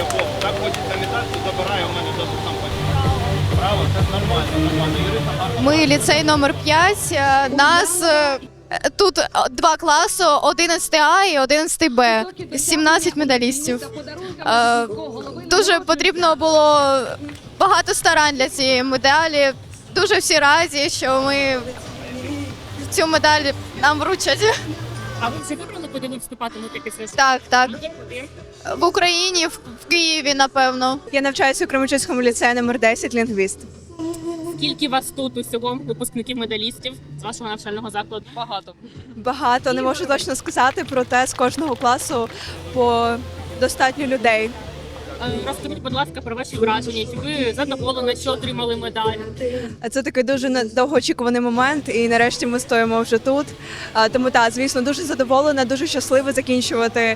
якому так хочеться літати, то забирає у мене досить сам хоче. Право, це нормально. Юриста гарно. Ми ліцей номер 5. Нас тут два класи, 11А і 11Б. 17 медалістів. Дуже потрібно було багато старань для цієї медалі. Дуже всі раді, що ми цю медаль нам вручать. А ви вже вибрали, куди ви вступатимете після школи? Так. Куди? В Україні, в Києві, напевно. Я навчаюся у Кременчуцькому ліцеї номер 10, лінгвіст. Скільки вас тут усього випускників медалістів з вашого навчального закладу? Багато. Багато, не можу точно сказати, проте з кожного класу по достатньо людей. Розкажіть, будь ласка, про ваші враження. Чи ви задоволені, що отримали медаль? Це такий дуже довгоочікуваний момент, і нарешті ми стоїмо вже тут. Тому звісно, дуже задоволена, дуже щаслива закінчувати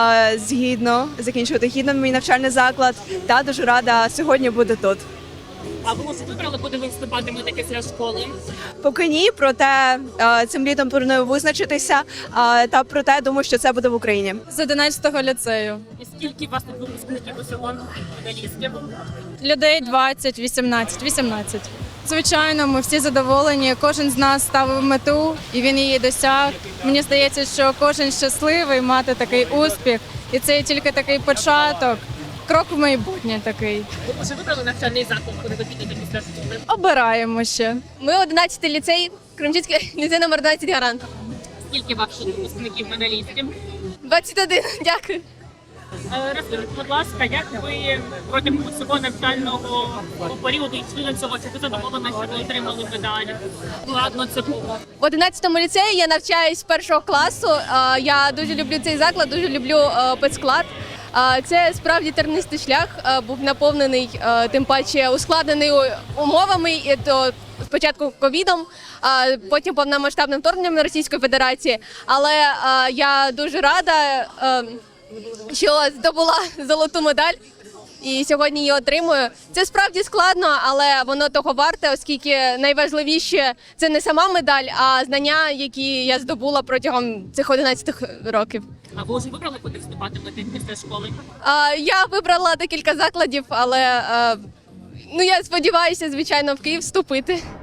гідно мій навчальний заклад. Та дуже рада сьогодні бути тут. А ви вже вибрали, куди ви вступатимете після школи? Поки ні, проте цим літом планую визначитися, та проте думаю, що це буде в Україні. З 11-го ліцею. І скільки у вас тут випускників усього медалістів? Людей 20, 18. Звичайно, ми всі задоволені. Кожен з нас ставив мету, і він її досяг. Мені здається, що кожен щасливий мати такий успіх. І це тільки такий початок. Крок в майбутнє такий. Ви вже вибрали навчальний заклад, куди ви підете після школи? Обираємо ще. Ми 11-й ліцей, Кременчуцький ліцей номер 12 гарант. Скільки ваших випускників медалістів? 21, дякую. Розкажіть, будь ласка, як ви протягом усього навчального періоду йшли до цього? Чи ви задоволені, що ви отримали медаль? Складно це було. В 11-му ліцеї я навчаюсь з першого класу. Я дуже люблю цей заклад, дуже люблю педсклад. Це справді тернистий шлях, був наповнений, тим паче ускладнений умовами, і то спочатку ковідом, а потім повномасштабним вторгненням Російської Федерації. Але я дуже рада, що здобула золоту медаль і сьогодні її отримую. Це справді складно, але воно того варте, оскільки найважливіше це не сама медаль, а знання, які я здобула протягом цих 11 років. А ви вже вибрали, куди вступатимете після школи? Я вибрала декілька закладів, але я сподіваюся, звичайно, в Київ вступити.